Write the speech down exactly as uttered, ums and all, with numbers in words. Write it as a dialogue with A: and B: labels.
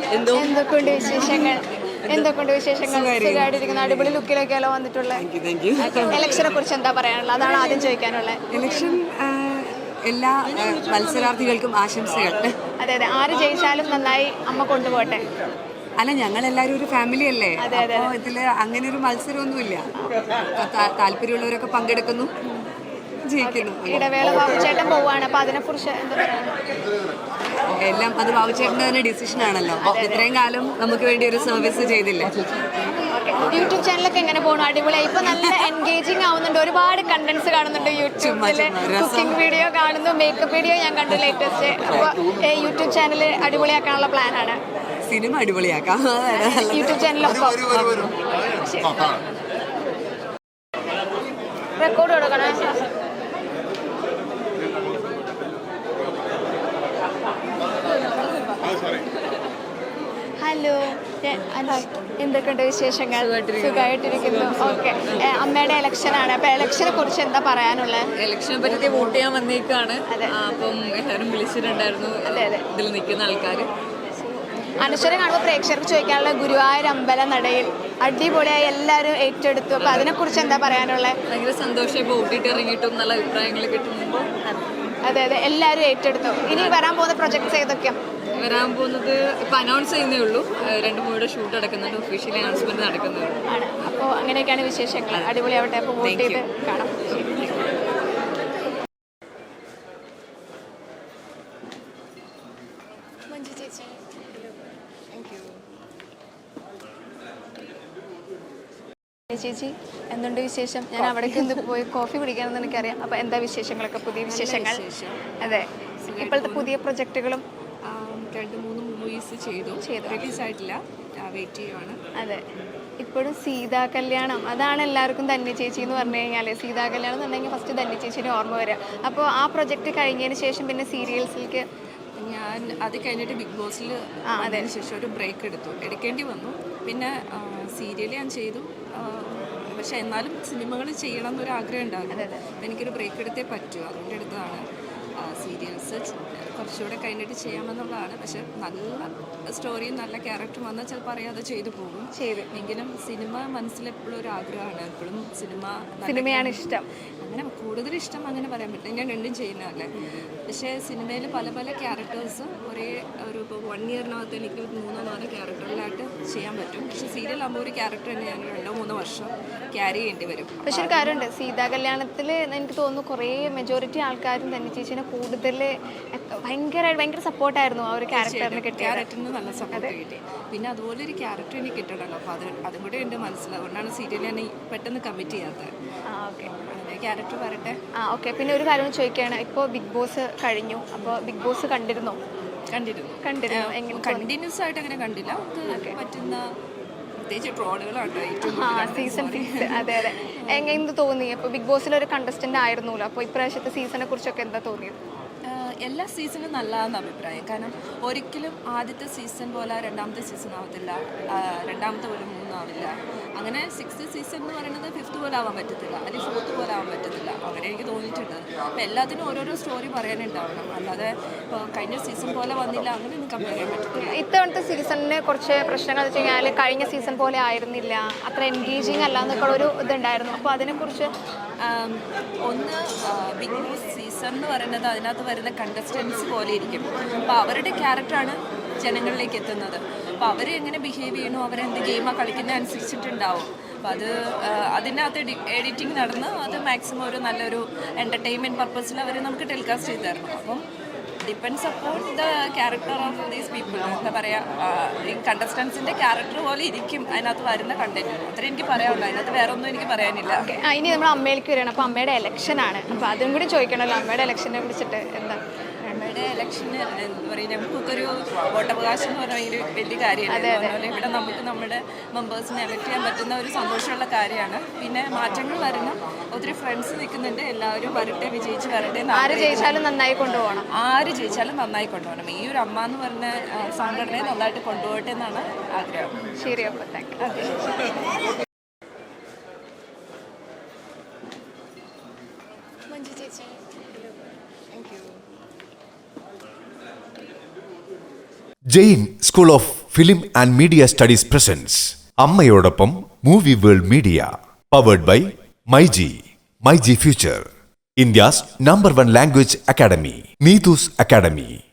A: എന്തോ
B: എന്തൊക്കെയുണ്ട് വിശേഷങ്ങൾ എന്തൊക്കെയുണ്ട് വിശേഷങ്ങൾ സുഖമായിട്ടിരിക്കുന്ന അടിപൊളി ലുക്കിലൊക്കെയല്ലോ വന്നിട്ടുള്ളത്. ഇലക്ഷനെ കുറിച്ച് എന്താ പറയാനുള്ളത്? അതാണ് ആദ്യം ചോദിക്കാനുള്ളത്.
A: ഇലക്ഷൻ എല്ലാ മത്സരാർത്ഥികൾക്കും ആശംസകൾ.
B: അതെ അതെ, ആര് ജയിച്ചാലും നന്നായി അമ്മ കൊണ്ടുപോട്ടെ.
A: അല്ല, ഞങ്ങളെല്ലാവരും ഒരു ഫാമിലി അല്ലേ, അപ്പോൾ ഇതിൽ അങ്ങനെ ഒരു മത്സരമൊന്നുമില്ല. താല്പര്യമുള്ളവരൊക്കെ പങ്കെടുക്കുന്നു, ജയിക്കുന്നു.
B: ഇടവേള ബാബുചേട്ടൻ പോവാണ്, അപ്പൊ അതിനെ കുറിച്ച് എന്താ പറയുക?
A: എല്ലാം അത് ബാബുചേട്ടൻ്റെ തന്നെ ഡിസിഷൻ ആണല്ലോ. ഇത്രയും കാലം നമുക്ക് വേണ്ടി ഒരു സർവീസ് ചെയ്തില്ല.
B: യൂട്യൂബ് ചാനലൊക്കെ എങ്ങനെ പോകണം? അടിപൊളിയായി, ഇപ്പൊ നല്ല എൻഗേജിങ് ആവുന്നുണ്ട്, ഒരുപാട് കണ്ടന്റ്സ് കാണുന്നുണ്ട് യൂട്യൂബില്. കുക്കിംഗ് വീഡിയോ കാണുന്നു, മേക്കപ്പ് വീഡിയോ ഞാൻ കണ്ടു ലേറ്റസ്റ്റ്. അപ്പോൾ യൂട്യൂബ് ചാനൽ അടിപൊളിയാക്കാനുള്ള പ്ലാനാണ്.
A: സിനിമ അടിപൊളിയാക്കാം
B: യൂട്യൂബ് ചാനലൊപ്പം. റെക്കോർഡ് കൊടുക്കണേ. ഹലോ, എന്തൊക്കെയുണ്ട് വിശേഷങ്ങൾ? സുഖമായിട്ടിരിക്കുന്നു. ഓക്കെ, അമ്മയുടെ ഇലക്ഷനാണ്, അപ്പൊ ഇലക്ഷനെ കുറിച്ച് എന്താ പറയാനുള്ളത്?
C: ഇലക്ഷനെ പറ്റി വോട്ട് ചെയ്യാൻ വന്നേക്കാണ്. അപ്പം എല്ലാവരും വിളിച്ചിട്ടുണ്ടായിരുന്നു ഇതിൽ നിൽക്കുന്ന ആൾക്കാർ.
B: അനശ്വര കാണുമ്പോൾ പ്രേക്ഷകർക്ക് ചോദിക്കാനുള്ള ഗുരുവായൂർ അമ്പല നടയിൽ അടിപൊളിയായി എല്ലാവരും ഏറ്റെടുത്തു. അപ്പൊ അതിനെ കുറിച്ച് എന്താ പറയാനുള്ളത്?
C: ഭയങ്കര സന്തോഷം. ഇപ്പോൾ ഓട്ടിട്ട് ഇറങ്ങിയിട്ടും നല്ല അഭിപ്രായങ്ങൾ കിട്ടുമ്പോൾ.
B: അതെ അതെ, എല്ലാവരും ഏറ്റെടുത്തു. ഇനി വരാൻ പോകുന്ന പ്രൊജക്ട്സ് ഏതൊക്കെയാണ്?
C: വരാൻ പോകുന്നത് ഇപ്പൊ അനൗൺസ് ചെയ്യുന്നേ ഉള്ളൂ. രണ്ട് മൂവിയുടെ ഷൂട്ട് നടക്കുന്നുണ്ട്, ഒഫീഷ്യലി അനൗൺസ്മെന്റ് നടക്കുന്നേ ഉള്ളൂ.
B: ആണ്. അപ്പോൾ അങ്ങനെയൊക്കെയാണ് വിശേഷങ്ങൾ. അടിപൊളിയാവട്ടെ. അപ്പോൾ വോട്ട് ചെയ്ത് കാണാം. ചേച്ചി, എന്തുണ്ട് വിശേഷം? ഞാൻ അവിടേക്ക് ഒന്ന് പോയി കോഫി കുടിക്കാമെന്ന് എനിക്കറിയാം. അപ്പോൾ എന്താ വിശേഷങ്ങളൊക്കെ, പുതിയ വിശേഷങ്ങൾ? അതെ, ഇപ്പോഴത്തെ പുതിയ പ്രൊജക്റ്റുകളും
A: രണ്ട് മൂന്ന് മൂവീസ് ചെയ്തു ചെയ്തു റിലീസായിട്ടില്ല, വെയിറ്റ് ചെയ്യുവാണ്.
B: അതെ, ഇപ്പോഴും സീതാ കല്യാണം, അതാണ് എല്ലാവർക്കും ധന്യ ചേച്ചി എന്ന് പറഞ്ഞു കഴിഞ്ഞാൽ. സീതാ കല്യാണം എന്ന് പറഞ്ഞെങ്കിൽ ഫസ്റ്റ് ധന്യ ചേച്ചിയുടെ ഓർമ്മ വരിക. അപ്പോൾ ആ പ്രൊജക്റ്റ് കഴിഞ്ഞതിന് ശേഷം പിന്നെ സീരിയൽസിലേക്ക്
A: ഞാൻ അത് കഴിഞ്ഞിട്ട് ബിഗ് ബോസിൽ അതിന് ശേഷം ഒരു ബ്രേക്ക് എടുത്തു, എടുക്കേണ്ടി വന്നു. പിന്നെ സീരിയൽ ഞാൻ ചെയ്തു, പക്ഷെ എന്നാലും സിനിമകൾ ചെയ്യണം എന്നൊരു ആഗ്രഹം ഉണ്ടാകും. എനിക്കൊരു ബ്രേക്ക് എടുത്തേ പറ്റൂ, അതുകൊണ്ട് എടുത്തതാണ്. സീരിയൽസ് കുറച്ചുകൂടെ കഴിഞ്ഞിട്ട് ചെയ്യാമെന്നുള്ളതാണ്. പക്ഷെ നല്ല സ്റ്റോറിയും നല്ല ക്യാരക്ടറും വന്നാൽ ചിലപ്പോൾ അറിയാതെ ചെയ്തു പോകും. ചെയ്തു എങ്കിലും സിനിമ മനസ്സിലെപ്പോഴും ഒരു ആഗ്രഹമാണ്. എപ്പോഴും സിനിമ
B: സിനിമയാണ് ഇഷ്ടം.
A: അങ്ങനെ കൂടുതൽ ഇഷ്ടം അങ്ങനെ പറയാൻ പറ്റില്ല, ഞാൻ രണ്ടും ചെയ്യുന്നതല്ലേ. പക്ഷേ സിനിമയിൽ പല പല ക്യാരക്ടേഴ്സ് ഒരേ ഒരു ഇപ്പോൾ വൺ ഇയറിനകത്ത് എനിക്ക് മൂന്നോ നാലോ ക്യാരക്ടറിലായിട്ട് ചെയ്യാൻ പറ്റും. പക്ഷേ സീരിയലാകുമ്പോൾ ഒരു ക്യാരക്ടർ തന്നെ ഞാൻ രണ്ടോ മൂന്നോ വർഷം ക്യാരി ചെയ്യേണ്ടി വരും.
B: പക്ഷെ ഒരു കാര്യമുണ്ട്, സീതാ കല്യാണത്തിൽ എനിക്ക് തോന്നുന്നു കുറേ മെജോറിറ്റി ആൾക്കാരും തന്നെ ചേച്ചിനെ കൂടുതൽ ഭയങ്കര ഭയങ്കര സപ്പോർട്ടായിരുന്നു ആ ഒരു ക്യാരക്ടറിന് കിട്ടിയ
A: ക്യാരക്ടറിന് നല്ല സപ്പോർട്ട് കിട്ടി. പിന്നെ അതുപോലെ ഒരു ക്യാരക്ടർ എനിക്ക് കിട്ടണമല്ലോ, അപ്പോൾ അത് അതും കൂടെ ഉണ്ട് മനസ്സിൽ. അതുകൊണ്ടാണ് സീരിയൽ ഞാൻ പെട്ടെന്ന് കമ്മിറ്റ് ചെയ്യാത്തത്.
B: ആ ഓക്കെ,
A: ക്യാരക്ടർ വരട്ടെ.
B: ആ ഓക്കെ. പിന്നെ ഒരു കാര്യം ചോദിക്കുകയാണ്, ഇപ്പോൾ ബിഗ് ബോസ് കഴിഞ്ഞു, അപ്പോൾ ബിഗ് ബോസ് കണ്ടിരുന്നോ?
A: കണ്ടിരുന്നു
B: കണ്ടിരുന്നു എങ്ങനെ?
A: കണ്ടിന്യൂസ് ആയിട്ട് അങ്ങനെ കണ്ടില്ല, പറ്റുന്ന പ്രത്യേകിച്ച് ട്രോളുകളാണ്
B: സീസൺ സിക്സ്. അതെ അതെ, എങ്ങനെ തോന്നി? അപ്പോൾ ബിഗ് ബോസിൽ ഒരു കണ്ടസ്റ്റന്റ് ആയിരുന്നല്ലോ, അപ്പോൾ ഇപ്രാവശ്യത്തെ സീസണെ കുറിച്ചൊക്കെ എന്താ തോന്നിയത്?
A: എല്ലാ സീസണും നല്ലതെന്ന് അഭിപ്രായം. കാരണം ഒരിക്കലും ആദ്യത്തെ സീസൺ പോലെ രണ്ടാമത്തെ സീസൺ ആവത്തില്ല, രണ്ടാമത്തെ പോലെ മൂന്നാവില്ല. അങ്ങനെ സിക്സ്ത് സീസൺ എന്ന് പറയുന്നത് ഫിഫ്ത്ത് പോലെ ആവാൻ പറ്റത്തില്ല, അല്ലെങ്കിൽ ഫോർത്ത് പോലെ ആവാൻ പറ്റത്തില്ല. അങ്ങനെ എനിക്ക് തോന്നിയിട്ടുണ്ട്. അപ്പോൾ എല്ലാത്തിനും ഓരോരോ സ്റ്റോറി പറയാനുണ്ടാവണം, അല്ലാതെ ഇപ്പോൾ കഴിഞ്ഞ സീസൺ പോലെ വന്നില്ല അങ്ങനെ ഒന്നും കമ്പയർ ചെയ്യാൻ പറ്റത്തില്ല.
B: ഇത്തവണത്തെ സീസണിന് കുറച്ച് പ്രശ്നങ്ങൾ വെച്ച് കഴിഞ്ഞാൽ കഴിഞ്ഞ സീസൺ പോലെ ആയിരുന്നില്ല, അത്ര എൻഗേജിങ് അല്ല എന്നൊക്കെ ഒരു ഇതുണ്ടായിരുന്നു. അപ്പോൾ അതിനെക്കുറിച്ച്
A: ഒന്ന് ബിഗ് ബോസ് സീസൺ എന്ന് പറയുന്നത് അതിനകത്ത് വരുന്ന കണ്ടസ്റ്റൻസ് പോലെ ഇരിക്കും. അപ്പോൾ അവരുടെ ക്യാരക്ടറാണ് ജനങ്ങളിലേക്ക് എത്തുന്നത്. അപ്പോൾ അവർ എങ്ങനെ ബിഹേവ് ചെയ്യണോ, അവരെന്ത് ഗെയിമാണ് കളിക്കുന്നത് അനുസരിച്ചിട്ടുണ്ടാവും. അപ്പോൾ അത് അതിനകത്ത് എഡിറ്റിംഗ് നടന്ന് അത് മാക്സിമം ഒരു നല്ലൊരു എൻ്റർടൈൻമെൻറ്റ് പർപ്പസിൽ അവർ നമുക്ക് ടെലികാസ്റ്റ് ചെയ്ത് തരണം. അപ്പം depends upon the character of these people. എന്താ പറയുക, ഈ കണ്ടസ്റ്റൻസിൻ്റെ ക്യാരക്ടർ പോലെ ഇരിക്കും അതിനകത്ത് വരുന്ന കണ്ടന്റ്. അത്ര എനിക്ക് പറയാനുള്ളൂ, അതിനകത്ത് വേറെ ഒന്നും എനിക്ക് പറയാനില്ല.
B: ഇനി നമ്മൾ അമ്മയിലേക്ക് വരികയാണ്. അപ്പോൾ അമ്മയുടെ ഇലക്ഷനാണ്, അപ്പോൾ അതും കൂടി ചോദിക്കണമല്ലോ, അമ്മയുടെ ഇലക്ഷനെ കുറിച്ചിട്ട് എന്താ?
A: അമ്മയുടെ ഇലക്ഷന് എന്താ പറയുക, നമുക്കൊരു വോട്ടവകാശം എന്ന് പറഞ്ഞാൽ ഒരു വലിയ കാര്യമാണ്. അതുപോലെ ഇവിടെ നമുക്ക് നമ്മുടെ മെമ്പേഴ്സിനെ എലക്ട് ചെയ്യാൻ പറ്റുന്ന ഒരു സന്തോഷമുള്ള കാര്യമാണ്. പിന്നെ മാറ്റങ്ങൾ വരണം, ഒത്തിരി ഫ്രണ്ട്സ് നിൽക്കുന്നുണ്ട്, എല്ലാവരും വരട്ടെ, വിജയിച്ച് വരട്ടെ.
B: ആര് ജയിച്ചാലും നന്നായി കൊണ്ടുപോകണം,
A: ആര് ജയിച്ചാലും നന്നായി കൊണ്ടുപോകണം. ഈ ഒരു അമ്മ എന്ന് പറഞ്ഞ സംഘടനയെ നന്നായിട്ട് കൊണ്ടുപോകട്ടെ എന്നാണ് ആഗ്രഹം.
B: ശരി, അപ്പോൾ thank you.
D: Jain School of film and media studies presents അമ്മയോടൊപ്പം movie world media powered by myG myG future India's number one language academy Neethu's academy.